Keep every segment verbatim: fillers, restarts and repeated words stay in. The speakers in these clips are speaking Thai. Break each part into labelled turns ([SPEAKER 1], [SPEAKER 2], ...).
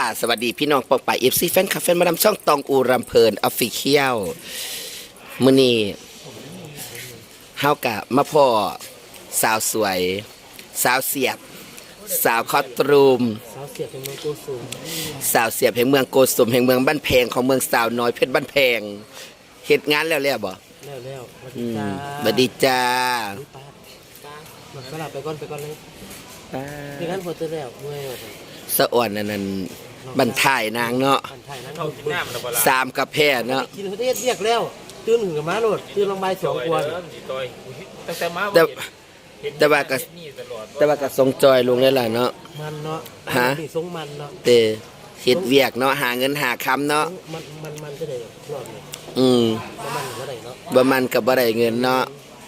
[SPEAKER 1] สวัสดีพี่น้องปองป่ายเอฟซีแฟนคลับแฟนมาดามช่องตองอูรำเพลินออฟฟิเชียลมื้อนี้เฮากะมาพ่อสาวสวย สาวเสียบ สาวคอตรูม
[SPEAKER 2] สาวเสียบแห่งเมืองโกสุม
[SPEAKER 1] สาวเสียบแห่งเมืองโกสุมแห่งเมืองบ้านแพงของเมืองสาวน้อยเพชรบ้านแพงเฮ็ดงานแล้วแล้วบ่
[SPEAKER 2] แล้วแล้วสวัส
[SPEAKER 1] อื
[SPEAKER 2] ดี
[SPEAKER 1] ม
[SPEAKER 2] จ้า
[SPEAKER 1] บัดดีจ้า
[SPEAKER 2] อุ๊ยป้าป้ามันก็หลับไปก่อนไปก่อนเลยมีงานพอเจอแล้วเมื่อยว่ะ
[SPEAKER 1] สะอ่อนอันนั้นบันทายนางเนาะ
[SPEAKER 2] ผ่านไทยนั้น
[SPEAKER 3] เข้ากินน้ำแล้วบ่ล่ะ
[SPEAKER 1] สามกระแพเนาะ
[SPEAKER 2] กินเขาได้เรียกแล้วตื่นหึงกับม้าโหลดตื่นลงใบายสองกวน
[SPEAKER 3] ต่อยตั้งแต่มา
[SPEAKER 1] แต่
[SPEAKER 3] เห็น
[SPEAKER 1] แต่ว่าก็
[SPEAKER 3] นี่ตลอด
[SPEAKER 1] แต่ว่าก็ทรงจอยลงได้ล่ะเนาะ
[SPEAKER 2] มันเนาะ
[SPEAKER 1] ฮะ
[SPEAKER 2] นี่ทรงมันเนาะ
[SPEAKER 1] เตเฮ็ดเวียกเนาะหาเงินหาคำเนาะ
[SPEAKER 2] มันมันมันจะได้รอบนี้
[SPEAKER 1] อืม
[SPEAKER 2] มันมันก็ได้เนาะ
[SPEAKER 1] บ่มันก็บ่ได้เงินเนาะ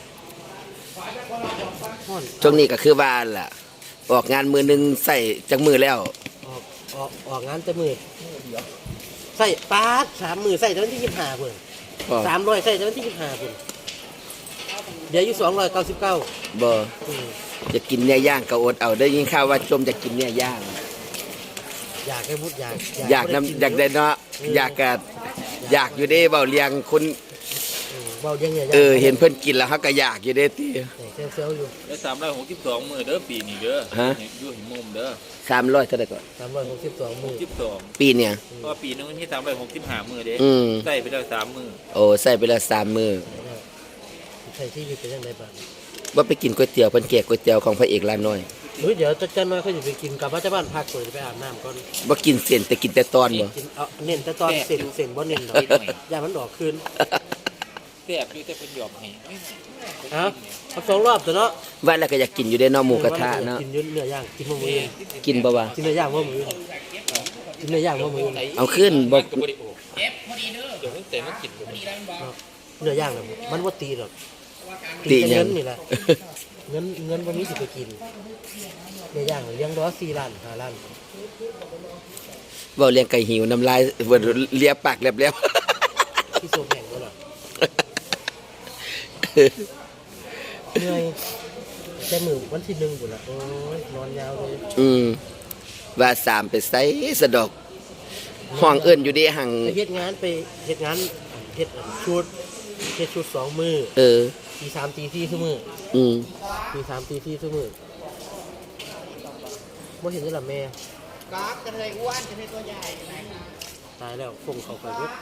[SPEAKER 2] ห่อน
[SPEAKER 1] ช่วงนี้ก็คือว่าล่ะ ออกงานมือหนึงใส่จักมือแล้ว
[SPEAKER 2] ออกออกออกงานแต่มือใส่ป้าดสามมือใส่แต่วันที่ยี่สิบห้าเพิ่น
[SPEAKER 1] บ่
[SPEAKER 2] สามร้อยใส่แต่วันที่ยี่สิบห้าเพิ่นเดี๋ยวอยู่สองร้อยเก้าสิบเก้า
[SPEAKER 1] บ่จะกินเนื้อย่างก็อดเอาได้ยินข่าวว่าจมจะกินเนื้อย่าง
[SPEAKER 2] อยากให้มุดอยาก
[SPEAKER 1] อยากนำอยากได้เนาะอยากก็อยากอยู่เด้เว้าเลี้ยงคน
[SPEAKER 2] เบาเยังไง
[SPEAKER 1] เออเห็นเพิ่นกินแล้วเฮาก็อยากอยู่เด้ติ
[SPEAKER 2] เซลเซลอยู่
[SPEAKER 3] แล้วสามร้อยหกสิบสองมื้อเด้อปีนี้เด้อ
[SPEAKER 1] ฮะ
[SPEAKER 3] อยู่หิมมุมเด้อ
[SPEAKER 1] สามร้อยเท่าใดก่อน
[SPEAKER 2] สามร้อยหกสิบสองมือ
[SPEAKER 3] สิบสอง
[SPEAKER 1] ปีเนี่ย
[SPEAKER 3] เพราะว่าปีนึงมันมีสามร้อยหกสิบห้ามื้อเด้
[SPEAKER 1] อืม
[SPEAKER 3] ได้ไปแล้วสามมื้อ
[SPEAKER 1] โอ้ใส่ไปแล้วสามมื้อ
[SPEAKER 2] ใส่ที่อยู่เป็นยังไงบ้าง
[SPEAKER 1] ว่าไปกินก๋วยเตี๋ยวเพิ่นแกะก๋วยเตี๋ยวของพระเอกร้านน้อย
[SPEAKER 2] เฮ้ยเดี๋ยวจะจะน้อยเขาจะไปกินกลับมาจากบ้านพักก่อนจะไปอาบน้ำก่อน
[SPEAKER 1] บ่กินเส้นแต่กินแต่ตอนบ่
[SPEAKER 2] กินเอาเน้นแต่ตอนเส้นเส้นบ่เน้นดอกอย่ามันดอกคืน
[SPEAKER 3] แซ่บอยู่แต่เพิ่นยอมให้ไม่
[SPEAKER 2] ฮะเอาสองรอบตัวเนาะ
[SPEAKER 1] ว่าแล้วก็อยากกินอยู่ได้เนาะหมูกระทะเนาะ
[SPEAKER 2] กินเนื้อย่างกินมื้อมือ
[SPEAKER 1] กินบ่วะ
[SPEAKER 2] กินเนื้อย่างมื้อมือกินเนื้อย่างมื้อมือ
[SPEAKER 1] เอาขึ้นบ่
[SPEAKER 3] ก็บ่ได้โอ้เจ็บพอดีเด้อเดี๋ยวมันแต่มันกินบ่ได้
[SPEAKER 2] เนื้อย่างน่ะมันบ่ตีหรอก
[SPEAKER 1] ติ
[SPEAKER 2] แต่
[SPEAKER 1] หยั
[SPEAKER 2] เงิ
[SPEAKER 1] ง
[SPEAKER 2] นนี่แหละเงินเงินวันนี้สิไปกินเนื้อย่างเลี้ยงร้อยสี่ล้านห้าล้าน
[SPEAKER 1] เว้าเลี้ยงไก่หิวน้ำลายเบิดเลียปากแลบ
[SPEAKER 2] ที่โซแพงก็หรอเหนื่อยแต่มือวันที่หนึ่งบุญละโอ้ยนอนยาวเลย
[SPEAKER 1] ๆอืมว่าสามไปไสสะดอกห้องเอิ้นอยู่เด้หัง
[SPEAKER 2] ไปเฮ็ดงานไปเฮ็ดงานเฮ็ดชุดเฮ็ดชุดสองมือ
[SPEAKER 1] เออ
[SPEAKER 2] ตีสามตีสี่ทุกมือ
[SPEAKER 1] อืม
[SPEAKER 2] ตีสามตีสี่ทุกมือบ่เห็นได้หรอแม่กากกระเทยอ้วนกระเทยตัวใหญ่ตายแล้วคงเขาไปเบิด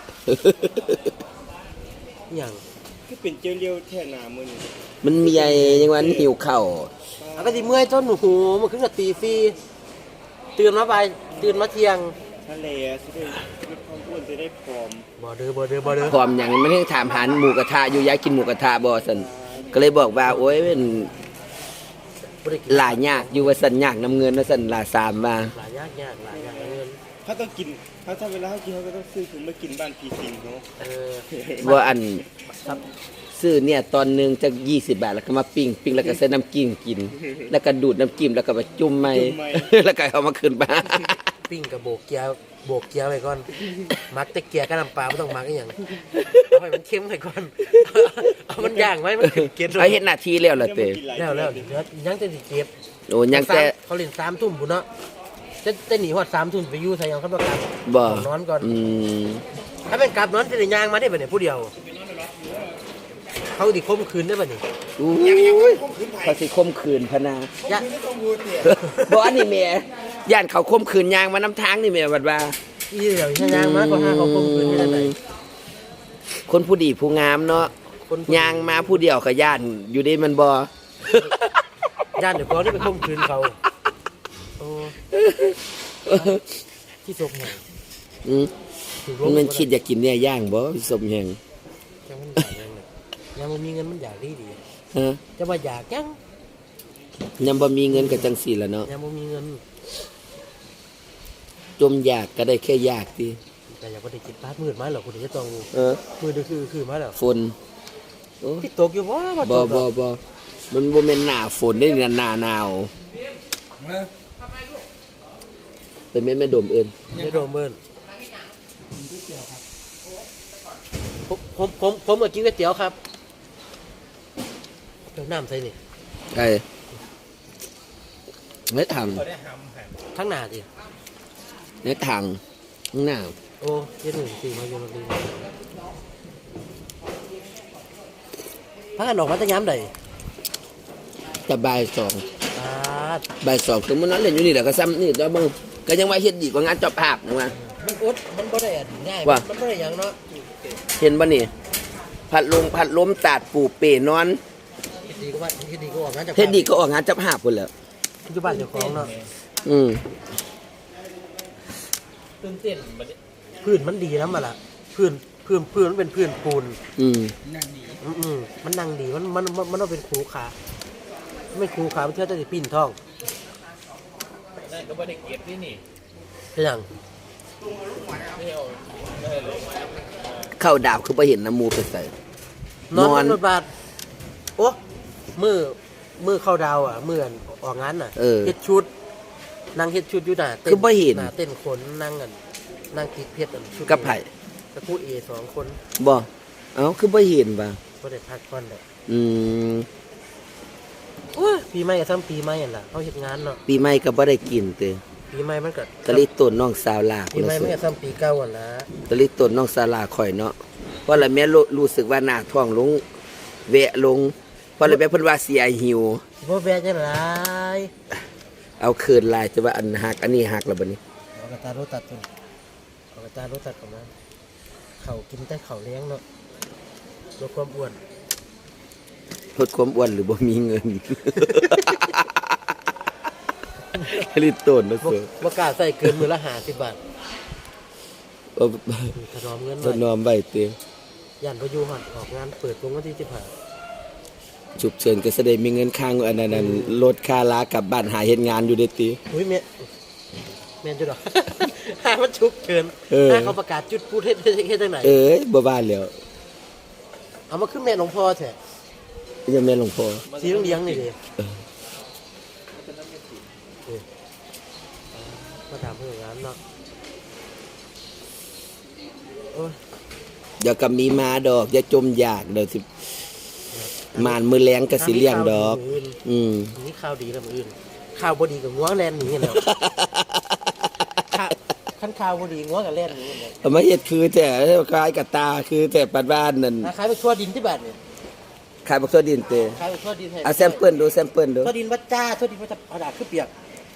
[SPEAKER 2] อหย่าง
[SPEAKER 4] คือเป็นเจ้าเลี้ยวแท่หนามือนี่
[SPEAKER 1] มันมีไอ้ยังว่าหิวข้าว
[SPEAKER 2] อ่ะก็สิเมื่อยจนหูมันขึ้นกับตีสี่ตื่นมาบ่ายตื่นมาเที่ยง
[SPEAKER 4] ทะเลจะได้ลดความอ้วนจะได้ผอม
[SPEAKER 2] บ่เด้อบ่เด้อบ่เด้อ
[SPEAKER 1] พร้อมหยังมันยังถามหาหมูกระทะอยู่อยากกินหมูกระทะบ่ซั่นก็เลยบอกว่าโอ๊ยเป็น
[SPEAKER 2] บ่ได้กิน
[SPEAKER 1] หลายยากอยู่ว่าซั่นยากน้ำเงินว่าซั่นลาสามว่า
[SPEAKER 2] หลายยากยากหลายยากเงิน
[SPEAKER 4] ถ้าต้องกินถ้าถ้าเวลาเขากินเขาก็ต้องซื้อถุงมากินบ้านพีซิงเนาะ
[SPEAKER 2] เออ
[SPEAKER 1] ว่าอัน
[SPEAKER 2] ครับ
[SPEAKER 1] ซื้อเนี่ยตอนหนึงจะยี่สิบบาทแล้วก็มาปิ้งปิ้งแล้วก็ใส่น้ำจิ้มกิน แล้วก็ดูดน้ำจิ้มแล้วก็ไปจุ่มใหม่ แล้วก็เอามาขึ้นบ้าน
[SPEAKER 2] ปิ้งกับโบกเกียร์โบกเกียร์ไปก่อนมักแต่เกียร์กับน้ำปลาไม่ต้องมักอีหยังเอาให้มันเค็มไปก่อน เอามันย่างไว้มันเก็บ
[SPEAKER 1] เอาเฮ็ดหน้าที่แล้วล่ะเต้
[SPEAKER 2] แล้วแล้วเดี๋ยวยังจะสิเก็บ
[SPEAKER 1] โอ้ยังแต่
[SPEAKER 2] เขาเล่นสามทุ่มพุ่นเนาะจะจะหนีฮอดสามทุ่มไปอยู่ใส่ยังเขาต้องกลับ
[SPEAKER 1] บ่
[SPEAKER 2] นอนก่อน
[SPEAKER 1] อืม
[SPEAKER 2] ถ้าเป็นกลับนอนจะได้ย่างมาได้บ่เนี่ยผู้เดียว เขาดิคมคืนได้บ่นี่
[SPEAKER 1] อู้ยเขาสิคมขืนพะนา
[SPEAKER 2] ยะ
[SPEAKER 1] บ่อันนี้แม่ย่านเขาคมขืนยางมานํทางนี่แม่บัดว่า
[SPEAKER 2] อีเดี๋ยวถ้าย่างมาก็หาเขาคมคืนได้ไหน
[SPEAKER 1] คนผู้ดีผู้งามเนาะ
[SPEAKER 2] คน
[SPEAKER 1] ยางมาผู้เดียวก็ย่านอยู่ดีมันบ่
[SPEAKER 2] ย่านเดี๋ยวก่อนนี่ไปคมคืนเขาโอ้ที่ศพแห่ง
[SPEAKER 1] อืม
[SPEAKER 2] ถูกล
[SPEAKER 1] มั
[SPEAKER 2] ง
[SPEAKER 1] นมันคิดอยากกินเนี่ยย่างบ่สมแหง
[SPEAKER 2] ยังมันอยากยังเนี่ยยังมันมีเงินมันอยากดีดี
[SPEAKER 1] ฮะ
[SPEAKER 2] จะมาอยากยัง
[SPEAKER 1] ยังบ่มีเงินก็จังซี่ล่ะเนาะ
[SPEAKER 2] ยังมันมีเงิน
[SPEAKER 1] จมอยากก็ได้แค่อยากติ
[SPEAKER 2] แต่อยากไปได้กินปลามืดมาหรอกคุณจะต้อง
[SPEAKER 1] เออ
[SPEAKER 2] มืดก็คือคือมาแล้ว
[SPEAKER 1] ฝนโอ้
[SPEAKER 2] ที่ตกอยู่ว่ามา
[SPEAKER 1] บ่
[SPEAKER 2] ตก
[SPEAKER 1] บ่บ่มันบ่แม่นหน้าฝนได้นี่หน้าหนาวเป็นแม่แม่ดมเอิ้น
[SPEAKER 2] ไม่โดนเบิ้ลผมผมผมผมมากินก๋วยเตี๋ยวครับเดี๋ยวน้ำใส่นี่
[SPEAKER 1] ไอ้ไม่ทำ
[SPEAKER 3] บ่ได้หำหั่น
[SPEAKER 2] ทั้งหนาดิ
[SPEAKER 1] ในทางข้างหน้า
[SPEAKER 2] โอ้เจ็ดหนึ่งสี่มาอยู่โรงเรียนพากันออกมาตั้งย้ำใด
[SPEAKER 1] จะบ่ายสอง
[SPEAKER 2] อ่า
[SPEAKER 1] บ่ายสองคือมันนั้นเล่นอยู่นี่แหละก็ซ้ำนี่ตัวมึงก็ยังว่าเฮ็ดดีกว่างานเจอบภาพนะว่า
[SPEAKER 2] มันอดมันบ่ได้อันง่าย
[SPEAKER 1] ว่า
[SPEAKER 2] มันบ่ได้หยังเนาะ
[SPEAKER 1] เห็นบ่นี่พัดลมพัดลมตาดปูเปนอน
[SPEAKER 2] เฮ็ดดีก็ว่าเฮ็ดดีก็ออกงานจาก
[SPEAKER 1] เฮ็ดดีก็ออกงานเจอบภาพพุ่นแหล้ว
[SPEAKER 2] อยู่บ้านเจ้าของเนาะ
[SPEAKER 1] อืม
[SPEAKER 3] ตื่นเต้นบัดนี้
[SPEAKER 2] พื้นมันดีนำมาล่ะพื้นพื้นพื้นมันเป็นพื้นปูน
[SPEAKER 1] อืม
[SPEAKER 2] อืมอืมมันนั่งดีมันมันมันมันต้องเป็นครูขามันเป็นครูขามันเชื่อจะได้ปีนท้อง
[SPEAKER 3] นั่นก็บ่ได้เก็บที่นี่
[SPEAKER 2] เป็นหยัง
[SPEAKER 3] ไม่เอาไม่ให้เลย
[SPEAKER 1] เข้าดาวคือบ่เห็นน้ำมูไปใส่
[SPEAKER 2] นอน
[SPEAKER 1] นอน
[SPEAKER 2] บนรถบัสโอ้มือมือเข้าดาวอ่ะมืออันออกงานน่ะ
[SPEAKER 1] เออ
[SPEAKER 2] เฮ็ดชุดนั่งเฮ็ดชุดอยู่หน้าเต้น
[SPEAKER 1] คือบ่เห็น
[SPEAKER 2] หน้าเต้นขนนั่งกันนั่งติดเพชรอันชุด
[SPEAKER 1] กับไผ
[SPEAKER 2] ตะพูดเอสองคน
[SPEAKER 1] บ่เอ้าคือบ่เห็นบ่า
[SPEAKER 2] ก็ได้พักก่อนเลย
[SPEAKER 1] อืม
[SPEAKER 2] โอ้ยปีใหม่ก็ซ้ำปีใหม่นั่นล่ะเขาเฮ็ดงานเนาะ
[SPEAKER 1] ปีใหม่ก็บ่ได้กินเตอ
[SPEAKER 2] ปีใหม่มันก็
[SPEAKER 1] ตะลิต้นน้องสาวลา
[SPEAKER 2] ปีใหม่มันก็ซ้ำปีเก่าอ่ะนะ
[SPEAKER 1] ตะลิต้นน้องสาวลาข่อยเนาะเพราะละแม่รู้รู้สึกว่าหน้าท้องลงแวะลงเพราะละแม่เพิ่นว่าเสียหิว
[SPEAKER 2] สิบ่แวะจังได๋
[SPEAKER 1] เอาคืนลายจะว่าอันหักอันนี้หักแล้วบัดนี้
[SPEAKER 2] เอากระตารถตัดตัวเอากระตารถตัดเข้ามาเขากินแต่เขาเลี้ยงเนาะลดความอ้วน
[SPEAKER 1] ลดความอ้วนหรือบ่มีเงิน ลิตต้นนะ
[SPEAKER 2] บ่
[SPEAKER 1] เสือ
[SPEAKER 2] บ่กล้าใส่เกินมื้อละห้าสิบบาท
[SPEAKER 1] เอา
[SPEAKER 2] ถนอมเงิน
[SPEAKER 1] ถ
[SPEAKER 2] ไว้
[SPEAKER 1] นอมไว้เตอ
[SPEAKER 2] ย่านบ่อยู่ฮอดออกงานเปิดวงวันที่สิบห้า
[SPEAKER 1] ฉุกเฉินก็แสดงมีเงินค้างอันนั้นนั้นลดค่าลากลับบ้านหาเฮ็ดงานอยู่เด้ติ
[SPEAKER 2] อุ้ยแม่แม่นจุดดอก หามันฉุกเฉิน
[SPEAKER 1] เออ
[SPEAKER 2] หาเขาประกาศจุดพูดเฮ็ดเฮ็ดเฮ็ดจังไหน
[SPEAKER 1] เอ้ยบ่ว่าแล้ว
[SPEAKER 2] เอามาขึ้นแม่หลวงพ่อแท้
[SPEAKER 1] ยังแม่นหลวงพ่อ
[SPEAKER 2] สีเหลืองๆนี่ดิ
[SPEAKER 1] เออ
[SPEAKER 2] เออมาถามเพื่อนงานเนาะโอ้ย
[SPEAKER 1] เดี๋ยวก็มีมาดอกอย่าจมอยากเดี๋ยวสิมานมือแรงก็สิเลี้ยงดอก อืม
[SPEAKER 2] นี่ข่าวดีแล้วมื้ออื่นข่าวบ่ดีกับงัวแล่นหนีกันแล้วข่าวคันข่าวบ่ดีงัวก็แล่นหนีกันแล้ว
[SPEAKER 1] เอามาเฮ็ดคือแต่คล้ายกับตาคือแต่ปัดบ้านนั่น
[SPEAKER 2] ขายไปทั่วดินที่บ้านเนี่ย
[SPEAKER 1] ขายบักทั่วดินเต
[SPEAKER 2] ขายไปทั่วดินให้
[SPEAKER 1] เอาแซมเปิลดูแซมเปิลดู
[SPEAKER 2] ทั่วดินวัดจ้าทั่วดินวัดจ้าเอาดาษขึ้นเปียก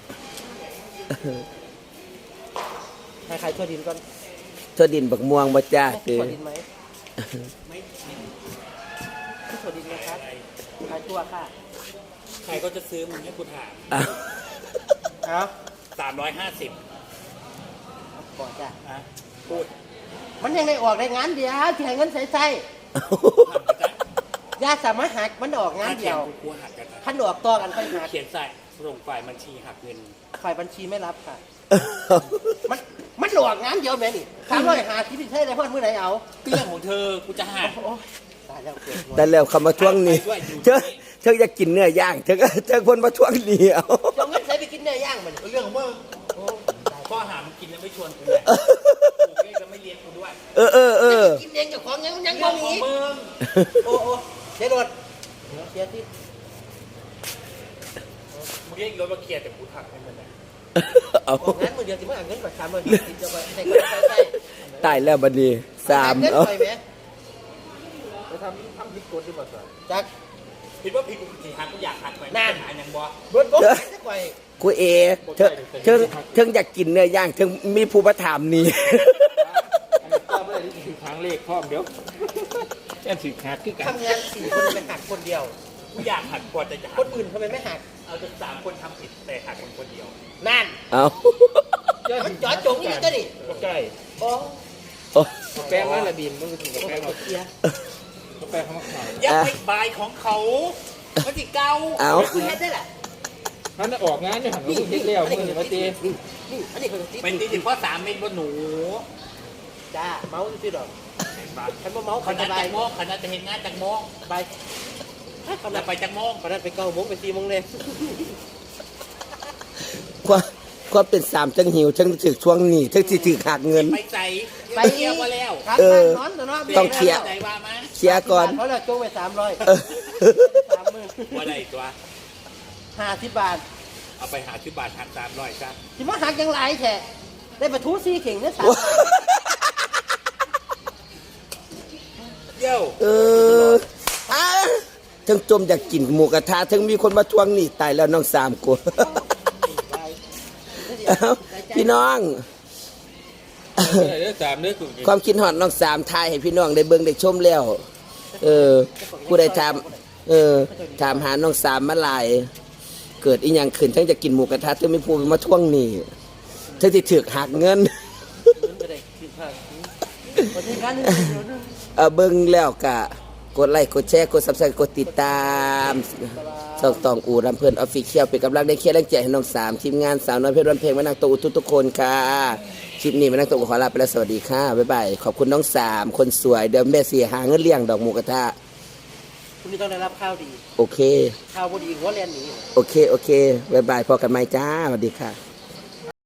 [SPEAKER 2] ให้ขายทั่วดินก่อน
[SPEAKER 1] ทั่วดินบักม่วงบ่จ้าเต
[SPEAKER 2] ทั่วดินไหมไม่ทั่วดินนะครับขายทั่วค่ะ
[SPEAKER 3] ใครก็จะซื้อมึงให้กูถาม
[SPEAKER 1] อ้าว
[SPEAKER 2] เอา
[SPEAKER 3] สามร้อยห้าสิบ
[SPEAKER 2] ก่อนจ้ะ
[SPEAKER 3] อ่ะพูด
[SPEAKER 2] มันยังได้ออกได้งานเดียวที่ให้เงินใส่ใส่ยาสามารถหักมันออกงานเดียว
[SPEAKER 3] กูหักกัน
[SPEAKER 2] ขั้นออกต่อกันไปหัก
[SPEAKER 3] เขียนใส่ส่งฝ่ายบัญชีหักเงิน
[SPEAKER 2] ฝ่ายบัญชีไม่รับค่ะ มันมันออกงานเดียวแม่นี่สามร้อยหาที่พี่ใช้ได้เพื่อนมือไหนเอา
[SPEAKER 3] เรื่องของเธอกูจะหัก
[SPEAKER 2] โอ้ยตายแล้วเกิดหัว
[SPEAKER 1] แต่แล้วคำมาทวงหนี้เธอเธออยากกินเนื้อย่างเธอก็เธอคนมาทวงหนี้เอา
[SPEAKER 2] จะเอาเงินใส่ไปกินเนื้อย่างมัน
[SPEAKER 3] เรื่องของมึง
[SPEAKER 2] โอ้ตาย
[SPEAKER 3] ข้อหามึงกินแล้วไม่ชวนกูเลยกูก็จะไม่เลี้ยงกูด้วย
[SPEAKER 1] เออเออเออ
[SPEAKER 2] กินเองเจ้าของยังยัง
[SPEAKER 3] เรื่
[SPEAKER 2] บ่
[SPEAKER 3] องขอ
[SPEAKER 2] มี
[SPEAKER 3] งมึง
[SPEAKER 2] โอ้โอ้เสียรถเสียที่
[SPEAKER 3] มึงเรียกรถมาเคลียร์แต่กูหักให้มันเลย
[SPEAKER 1] เอา
[SPEAKER 2] ออกงานมือเดียวสิมาเอาเงินก่อนสามร้อยห้าสิบจะไปใส่ก่อนใส่ใส่
[SPEAKER 1] ตายแล้วบัดนี้สาม
[SPEAKER 2] เงิน
[SPEAKER 1] เอา
[SPEAKER 2] ไปไหม
[SPEAKER 3] ไปทำทำผิดกฎดีกว่าสิ
[SPEAKER 2] จัก
[SPEAKER 3] คิดว่าผิดกูสิหักกูอยากหักไป
[SPEAKER 2] นั่น
[SPEAKER 3] หายังบ่
[SPEAKER 2] รถรถจักไป
[SPEAKER 1] กูเอเธอเธอเธออยากกินเนื้อย่างเธอมีผู้มาถามหนี่
[SPEAKER 3] อันนี้ก็ไม่ได้ถือทางเลขพร้อมเดี๋ยวแค่ถือหักคือกัน
[SPEAKER 2] ทำงานสี่คนไปหักคนเดียว
[SPEAKER 3] กูอยากหักก่อนแต่จะ
[SPEAKER 2] ค
[SPEAKER 3] หัก
[SPEAKER 2] นอื่นทำไมไม่หัก
[SPEAKER 3] เอาจนสามคนทำผิดแต่หักคนคนเดียว
[SPEAKER 2] นั่น
[SPEAKER 1] เอา
[SPEAKER 2] มันจอดจงนี่ก็ดิ
[SPEAKER 3] ก็ใกล้
[SPEAKER 2] โอ้
[SPEAKER 1] โอ้
[SPEAKER 3] กาแฟมาละบินมันก็ถึงกาแฟเรา
[SPEAKER 2] เสีย
[SPEAKER 3] กาแฟเขามาขายอย่าไปบายของเขามันสิเก่า
[SPEAKER 1] เอา
[SPEAKER 2] คือเฮ็ดได้แหละ
[SPEAKER 3] ท่านออกงานอยู่หันมาเฮ็ดแล้วมือนี่มาตี
[SPEAKER 2] นี่นี่อันนี้คือติด
[SPEAKER 3] เป็นตีสิเพราะสามเม็ดว่าหนู
[SPEAKER 2] จ้าเมาส์ที่ดอกฉันว่าเมาส์
[SPEAKER 3] ข
[SPEAKER 2] ขัน
[SPEAKER 3] นาด
[SPEAKER 2] ไป
[SPEAKER 3] จักโมงขนาดจะเห็นงานจักโมง
[SPEAKER 2] ไปข
[SPEAKER 3] ขนา
[SPEAKER 2] นา
[SPEAKER 3] ด
[SPEAKER 2] ด
[SPEAKER 3] ไปจักโมง
[SPEAKER 2] ขนาดไปเก้าโมงไปสี่โมงเลย
[SPEAKER 1] ความความเป็นสามจังหิวจังถึกช่วงนี้จังสิถึกหักเงิน
[SPEAKER 3] ไปใจไปเที่ยวมาแล้ว
[SPEAKER 2] ครับ
[SPEAKER 1] เออ
[SPEAKER 2] นอนนอน
[SPEAKER 1] ต้องเคลียร์
[SPEAKER 3] ใจว่ามา
[SPEAKER 1] เคลียร์ก่อน
[SPEAKER 2] เขาเลยโจ้ไปสามร้อย
[SPEAKER 1] เออ
[SPEAKER 2] สามหมื่น
[SPEAKER 3] ว่าได้ตัว
[SPEAKER 2] ห้าสิบบาท
[SPEAKER 3] เอาไปหาชิบบาทหักสามร้อยจ้ะ
[SPEAKER 2] ที่มาหักยังไรแท้ได้ปลาทูซี่เข่งเนี่ยสามเย้า
[SPEAKER 1] เอออ่ะทั้งจมอยากกินหมูกระทะทั้งมีคนมาทวงหนี้ตายแล้วน้องสามกู เอ้าพี่น้อง
[SPEAKER 3] เด้อสามเด้อกู
[SPEAKER 1] ความคิดฮอดน้องสามทายให้พี่น้องได้เบิ่งได้ชมแล้ว เออ ผู้ใดถามเออถามหาน้องสามมาหลาย เกิดอีหยังขึ้นทั้งจะกินหมูกระทะทั้งมีผู้มาทวงหนี้ทั้งสิถูกหักเงิน
[SPEAKER 2] วันนี้การนึง
[SPEAKER 1] เออเบิ่งแล้วก็กดไลค์กดแชร์กด Subscribe กดติดตามช่องตองอูรำเพิ่นออฟฟิเชียลเป็นกำลังได้เคียร์แรงใจให้น้องสามทีมงานสาวน้อยเพชรวันเพลงมานั่งโตอุทุทุกคนค่ะคลิปนี้มานั่งโตขอลาไปแล้วสวัสดีค่ะบ๊ายบายขอบคุณน้องสามคนสวยเดี๋ยวแม่เสียหาเงินเลี้ยงดอกหมูกระทะ
[SPEAKER 2] คุณนี่ต้องได้รับข้าวดี
[SPEAKER 1] โอเค
[SPEAKER 2] ข้าวพอดีหัวแลนหนี
[SPEAKER 1] โอเคโอเคบ๊ายบายพอกันไหมจ้าสวัสดีค่ะ